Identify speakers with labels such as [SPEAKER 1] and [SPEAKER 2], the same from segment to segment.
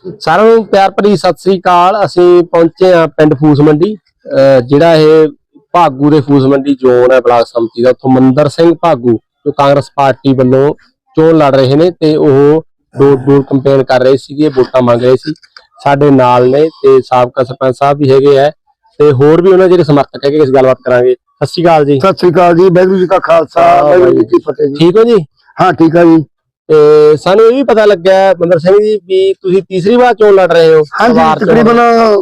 [SPEAKER 1] ਸਾਰਿਆਂ ਨੂੰ ਪਿਆਰ ਭਰੀ ਸਤਿ ਸ੍ਰੀ ਅਕਾਲ। ਅਸੀਂ ਪਹੁੰਚੇ ਆ ਪਿੰਡ ਫੂਸ ਮੰਡੀ, ਜਿਹੜਾ ਇਹ ਭਾਗੂ ਦੇ ਫੂਸ ਮੰਡੀ ਜ਼ੋਨ ਹੈ ਬਲਾਕ ਸੰਮਤੀ ਦਾ। ਉੱਥੋਂ ਮੰਦਰ ਸਿੰਘ ਭਾਗੂ ਜੋ ਕਾਂਗਰਸ ਪਾਰਟੀ ਵੱਲੋਂ ਚੋਣ ਲੜ ਰਹੇ ਨੇ ਤੇ ਉਹ ਡੋਰ ਡੋਰ ਕੰਪੇਨ ਕਰ ਰਹੇ ਸੀਗੇ, ਵੋਟਾਂ ਮੰਗ ਰਹੇ ਸੀ। ਸਾਡੇ ਨਾਲ ਨੇ ਤੇ ਸਾਬਕਾ ਸਰਪੰਚ ਸਾਹਿਬ ਵੀ ਹੈਗੇ ਆ ਤੇ ਹੋਰ ਵੀ ਉਹਨਾਂ ਜਿਹੜੇ ਸਮਰਥਕ ਹੈਗੇ। ਇਸ ਗੱਲਬਾਤ ਕਰਾਂਗੇ। ਸਤਿ ਸ੍ਰੀ ਅਕਾਲ ਜੀ।
[SPEAKER 2] ਸਤਿ ਸ੍ਰੀ ਅਕਾਲ ਜੀ। ਵਾਹਿਗੁਰੂ ਜੀ ਕਾ ਖਾਲਸਾ ਵਾਹਿਗੁਰੂ ਜੀ ਕੀ ਫਤਿਹ ਜੀ।
[SPEAKER 1] ਠੀਕ ਹੋ ਜੀ?
[SPEAKER 2] ਹਾਂ ਠੀਕ ਆ ਜੀ।
[SPEAKER 1] ਤੇ ਸਾਨੂੰ ਇਹ ਵੀ ਪਤਾ ਲੱਗਿਆ ਮੰਦਰ ਸਿੰਘ ਜੀ ਵੀ ਤੁਸੀਂ ਤੀਸਰੀ ਵਾਰ ਚੋਣ ਲੜ ਰਹੇ ਹੋ।
[SPEAKER 2] ਹਾਂਜੀ, ਤਕਰੀਬਨ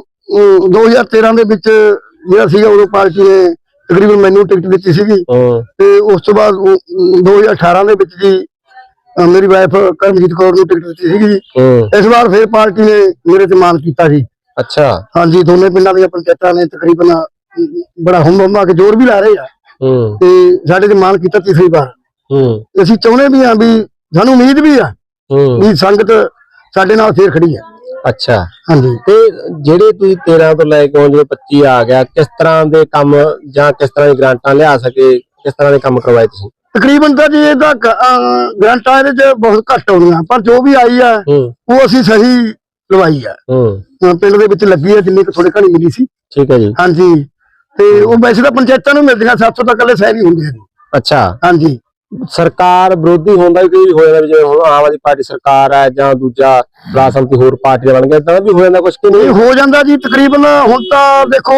[SPEAKER 2] 2013 ਦੇ ਵਿੱਚ ਜਿਹੜਾ ਸੀਗਾ ਉਦੋਂ ਪਾਰਟੀ ਨੇ ਤਕਰੀਬਨ ਮੈਨੂੰ ਟਿਕਟ ਦਿੱਤੀ ਸੀਗੀ ਤੇ ਉਸ ਤੋਂ ਬਾਅਦ 2018 ਦੇ ਵਿੱਚ ਜੀ ਮੇਰੀ ਵਾਈਫ ਕਰਮਜੀਤ ਕੌਰ ਨੂੰ ਟਿਕਟ ਦਿੱਤੀ ਸੀਗੀ ਜੀ। ਇਸ ਵਾਰ ਫਿਰ ਪਾਰਟੀ ਨੇ ਮੇਰੇ ਤੇ ਮਾਨ ਕੀਤਾ ਜੀ।
[SPEAKER 1] ਅੱਛਾ।
[SPEAKER 2] ਹਾਂਜੀ, ਦੋਨੇ ਪਿੰਡਾਂ ਦੀਆਂ ਪੰਚਾਇਤਾਂ ਨੇ ਤਕਰੀਬਨ ਬੜਾ ਹੁੰਮ ਕੇ ਜ਼ੋਰ ਵੀ ਲਾ ਰਹੇ ਆ ਤੇ ਸਾਡੇ ਤੇ ਮਾਨ ਕੀਤਾ ਤੀਸਰੀ ਵਾਰ। ਅਸੀਂ ਚਾਹੁੰਦੇ ਵੀ ਆ ਵੀ ਸਾਨੂੰ ਉਮੀਦ ਵੀ ਆ ਵੀ ਸੰਗਤ ਸਾਡੇ ਨਾਲ ਫੇਰ ਖੜੀ ਆ।
[SPEAKER 1] ਅੱਛਾ।
[SPEAKER 2] ਹਾਂਜੀ।
[SPEAKER 1] ਤੇ ਜਿਹੜੇ ਤੁਸੀਂ 13 ਤੋਂ ਲੈ ਕੇ ਹੁਣ ਜਦੋਂ 25 ਆ ਗਿਆ, ਕਿਸ ਤਰ੍ਹਾਂ ਦੇ ਕੰਮ ਜਾਂ ਕਿਸ ਤਰ੍ਹਾਂ ਦੀ ਗ੍ਰਾਂਟਾਂ ਲਿਆ ਸਕੇ, ਕਿਸ ਤਰ੍ਹਾਂ ਦੇ ਕੰਮ ਕਰਵਾਏ ਤੁਸੀਂ?
[SPEAKER 2] ਤਕਰੀਬਨ ਤਾਂ ਜੀ ਇਹਦਾ ਗ੍ਰਾਂਟਾਂ ਇਹਦੇ ਚ ਬਹੁਤ ਘੱਟ ਆਉਂਦੀਆਂ, ਪਰ ਜੋ ਵੀ ਆਈ ਆ ਉਹ ਅਸੀਂ ਸਹੀ ਲਵਾਈ ਆ। ਪਿੰਡ ਦੇ ਵਿੱਚ ਲੱਗੀ ਆ ਜਿੰਨੀ ਕੁ ਥੋੜੇ ਘਣੀ ਮਿਲੀ ਸੀ। ਠੀਕ ਹੈ ਜੀ। ਹਾਂਜੀ, ਤੇ ਉਹ ਵੈਸੇ ਤਾਂ ਪੰਚਾਇਤਾਂ ਨੂੰ ਮਿਲਦੀਆਂ, 700 ਤੱਕ ਵਾਲੇ ਸ਼ਹਿਰ ਹੀ ਹੁੰਦੇ ਆ। ਅੱਛਾ। ਹਾਂਜੀ।
[SPEAKER 1] ਸਰਕਾਰ ਵਿਰੋਧੀ ਹੁੰਦਾ ਵੀ ਕੋਈ ਹੋ ਜਾਂਦਾ, ਜਿਵੇਂ ਹੁਣ ਆਮ ਆਦਮੀ ਪਾਰਟੀ ਸਰਕਾਰ ਹੈ ਜਾਂ ਦੂਜਾ ਬਲਾਕ ਸੰਮਤੀ ਹੋਰ ਪਾਰਟੀਆਂ ਬਣ ਗਿਆ, ਤਾਂ ਵੀ ਹੋ ਜਾਂਦਾ ਕੁਛ ਕਿ ਨਹੀਂ?
[SPEAKER 2] ਹੋ ਜਾਂਦਾ ਜੀ। ਤਕਰੀਬਨ ਹੁਣ ਤਾਂ ਦੇਖੋ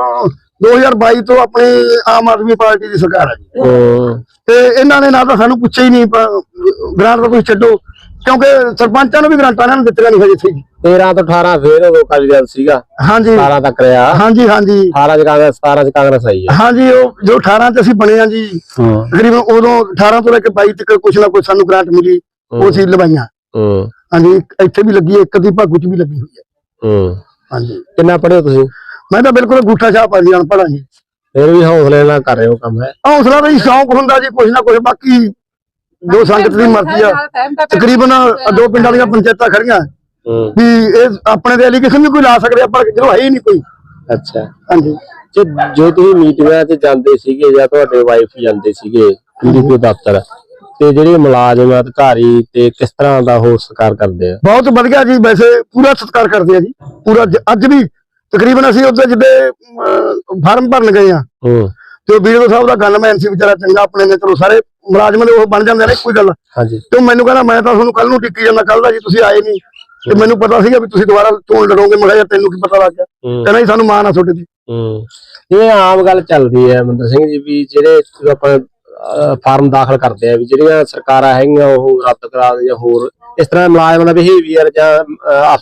[SPEAKER 2] 2022 ਤੋਂ ਆਪਣੀ ਆਮ ਆਦਮੀ ਪਾਰਟੀ ਦੀ ਸਰਕਾਰ ਹੈ ਜੀ ਤੇ ਇਹਨਾਂ ਨੇ ਨਾ ਤਾਂ ਸਾਨੂੰ ਪੁੱਛਿਆ ਹੀ ਨਹੀਂ ਗ੍ਰਾਂਟ ਦਾ ਤੁਸੀਂ ਛੱਡੋ, ਕਿਉਂਕਿ ਸਰਪੰਚਾਂ ਨੂੰ ਵੀ ਗ੍ਰਾਂਟਾਂ ਇਹਨਾਂ ਨੂੰ ਦਿੱਤੀਆਂ ਨਹੀਂ ਹਜੇ ਸੀ।
[SPEAKER 1] 13 ਤੋਂ 18 ਫੇਰ ਉਦੋਂ ਅਕਾਲੀ ਦਲ ਸੀਗਾ।
[SPEAKER 2] ਹਾਂਜੀ।
[SPEAKER 1] 17 ਤੱਕ ਰਿਹਾ।
[SPEAKER 2] ਹਾਂਜੀ ਹਾਂਜੀ।
[SPEAKER 1] 18 ਚ ਕਾਂਗਰਸ, 17 ਚ ਕਾਂਗਰਸ ਆਈ ਹੈ।
[SPEAKER 2] ਹਾਂਜੀ, ਉਹ ਜੋ 18 ਚ ਅਸੀਂ ਬਣੇ ਆ ਜੀ, ਤਕਰੀਬਨ ਉਦੋਂ 18 ਤੋਂ ਲੈ ਕੇ 22 ਤੱਕ ਕੁਛ ਨਾ ਕੁਛ ਸਾਨੂੰ ਗ੍ਰਾਂਟ ਮਿਲੀ, ਉਹ ਅਸੀਂ ਲਵਾਈਆਂ। ਹਾਂਜੀ, ਇੱਥੇ ਵੀ ਲੱਗੀ ਹੈ, ਇੱਕ ਦੀ ਭਾਗੂ ਚ ਵੀ ਲੱਗੀ ਹੋਈ ਹੈ। ਹਾਂਜੀ।
[SPEAKER 1] ਕਿੰਨਾ ਪੜ੍ਹੇ ਹੋ ਤੁਸੀਂ?
[SPEAKER 2] ਮੈਂ ਤਾਂ ਬਿਲਕੁਲ ਅੰਗੂਠਾ ਛਾਪ ਆ ਜੀ, ਅਨਪੜ੍ਹ ਜੀ।
[SPEAKER 1] ਫਿਰ ਵੀ ਹੌਸਲੇ ਨਾਲ ਕਰ ਰਹੇ ਹੋ ਕੰਮ। ਹੈ
[SPEAKER 2] ਹੌਸਲਾ ਤਾਂ ਜੀ ਸ਼ੌਂਕ ਹੁੰਦਾ ਜੀ, ਕੁਛ ਨਾ ਕੁਛ। ਬਾਕੀ ਜੋ ਸੰਗਤ ਦੀ ਮਰਜ਼ੀ ਆ। ਤਕਰੀਬਨ 2 ਪਿੰਡਾਂ ਦੀਆਂ ਪੰਚਾਇਤਾਂ ਖੜੀਆਂ ਵੀ ਇਹ ਆਪਣੇ ਦੇ ਐਲੀਗੇਸ਼ਨ ਵੀ ਕੋਈ ਲਾ ਸਕਦੇ, ਪਰ ਜਦੋਂ ਹੈ ਹੀ ਨਹੀਂ ਕੋਈ।
[SPEAKER 1] ਅੱਛਾ।
[SPEAKER 2] ਹਾਂਜੀ।
[SPEAKER 1] ਜੋ ਤੁਸੀਂ ਮੀਟਿੰਗਾਂ 'ਚ ਜਾਂਦੇ ਸੀਗੇ ਜਾਂ ਤੁਹਾਡੇ ਵਾਈਫ ਜਾਂਦੇ ਸੀਗੇ ਪੀਡੀਪੀ ਦਫ਼ਤਰ, ਤੇ ਜਿਹੜੇ ਮੁਲਾਜ਼ਮ ਅਧਿਕਾਰੀ ਤੇ ਕਿਸ ਤਰ੍ਹਾਂ ਦਾ ਉਹ ਸਤਿਕਾਰ ਕਰਦੇ ਆ?
[SPEAKER 2] ਬਹੁਤ ਵਧੀਆ ਜੀ, ਵੈਸੇ ਪੂਰਾ ਸਤਿਕਾਰ ਕਰਦੇ ਆ ਜੀ, ਪੂਰਾ। ਅੱਜ ਵੀ ਤਕਰੀਬਨ ਅਸੀਂ ਉੱਥੇ ਜਿੱਦੇ ਫਾਰਮ ਭਰਨ ਗਏ ਆ ਤੇ ਵੀਡੀਓ ਸਾਹਿਬ ਦਾ ਗਨਮੈਨ ਸੀ ਵਿਚਾਰਾ, ਚੰਗਾ ਆਪਣੇ ਨੇ। ਚਲੋ ਸਾਰੇ ਮੁਲਾਜ਼ਮ ਦੇ ਉਹ ਬਣ ਜਾਂਦੇ ਨੇ ਕੋਈ ਗੱਲ। ਹਾਂਜੀ। ਤੇ ਮੈਨੂੰ ਕਹਿੰਦਾ ਮੈਂ ਤਾਂ ਤੁਹਾਨੂੰ ਕੱਲ ਨੂੰ ਟਿੱਕੀ ਜਾਂਦਾ, ਕੱਲ ਦਾ ਜੀ ਤੁਸੀਂ ਆਏ ਨਹੀਂ ਤੇ ਮੈਨੂੰ ਪਤਾ ਸੀਗਾ ਵੀ ਤੁਸੀਂ ਦੁਬਾਰਾ ਚੋਣ ਲੜੋਗੇ। ਮੈਂ ਕਿਹਾ ਯਾਰ ਤੈਨੂੰ ਕੀ ਪਤਾ ਲੱਗ ਗਿਆ? ਕਹਿੰਦਾ ਜੀ ਸਾਨੂੰ ਮਾਣ ਆ ਤੁਹਾਡੇ ਤੇ।
[SPEAKER 1] ਇਹ ਆਮ ਗੱਲ ਚੱਲਦੀ ਹੈ ਮੰਦਰ ਸਿੰਘ ਜੀ ਵੀ ਜਿਹੜੇ ਆਪਾਂ ਫਾਰਮ ਦਾਖਲ ਕਰਦੇ ਆ ਵੀ ਜਿਹੜੀਆਂ ਸਰਕਾਰਾਂ ਹੈਗੀਆਂ ਉਹ ਰੱਦ ਕਰਾ ਦੇ ਜਾਂ ਹੋਰ ਇਸ ਤਰ੍ਹਾਂ ਮੁਲਾਜ਼ਮਾਂ ਦਾ ਬਿਹੇਵੀਅਰ ਜਾਂ